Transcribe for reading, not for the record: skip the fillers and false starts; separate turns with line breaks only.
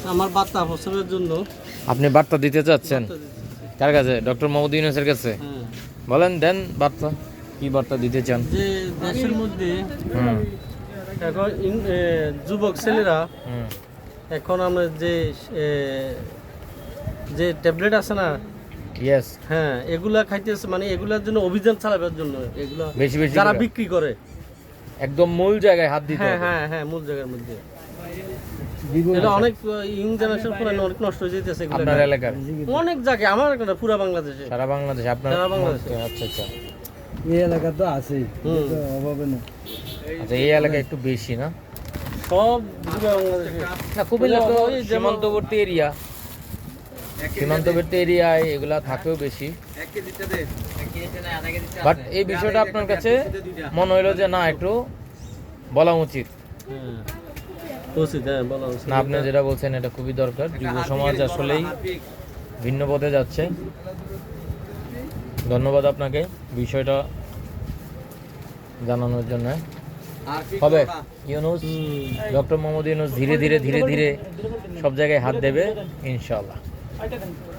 আমার বার্তা প্রচারের জন্য।
আপনি বার্তা দিতে চাচ্ছেন
বার্তা দিতে।
কার কাছে? ডক্টর মোহাম্মদ ইউনূসের কাছে?
হ্যাঁ।
বলেন, দেন বার্তা, কি বার্তা দিতে চান?
যে দেশের মধ্যে
হুম
এখন যুবক ছেলেরা
হুম
এখন আমরা যে ট্যাবলেট আছে না,
ইয়েস,
হ্যাঁ এগুলা খাইতেছে, মানে এগুলার জন্য অভিযান চালাবার জন্য এগুলা
বেশি বেশি
যারা
করে।
বিক্রি করে।
একদম মূল জায়গায় হাত দিতে
হ্যাঁ
হবে।
হ্যাঁ হ্যাঁ, মূল জায়গার মধ্যে। এটা অনেক ইয়ং জেনারেশন পুরো অনেক নষ্ট হয়ে যেতেছে এগুলা।
আপনার এলাকার?
অনেক জায়গায়, আমার এখানে পুরো বাংলাদেশে।
সারা বাংলাদেশে আপনার?
সারা বাংলাদেশে।
আচ্ছা আচ্ছা
এই এলাকা তো আছেই, অভাবে না।
আচ্ছা, এই এলাকায় একটু বেশি না?
সব পুরো বাংলাদেশে।
না, কুমিল্লা তো
ওই যেমন-
সীমান্তবর্তী এরিয়া, সীমান্তবর্তী এরিয়ায় এগুলা থাকেও বেশি। বাট এই বিষয়টা আপনার কাছে মনে হইলো যে না, একটু বলা উচিত
হ্যাঁ, উচিত, হ্যাঁ বলা উচিত।
না? আপনি যেটা বলছেন এটা খুবই দরকার। যুব সমাজ আসলেই ভিন্ন পথে যাচ্ছে। ধন্যবাদ আপনাকে বিষয়টা জানানোর জন্য। হবে ইউনূস, ডক্টর মোহাম্মদ ইউনূস ধীরে ধীরে ধীরে ধীরে সব জায়গায় হাত দেবে ইনশাআল্লাহ।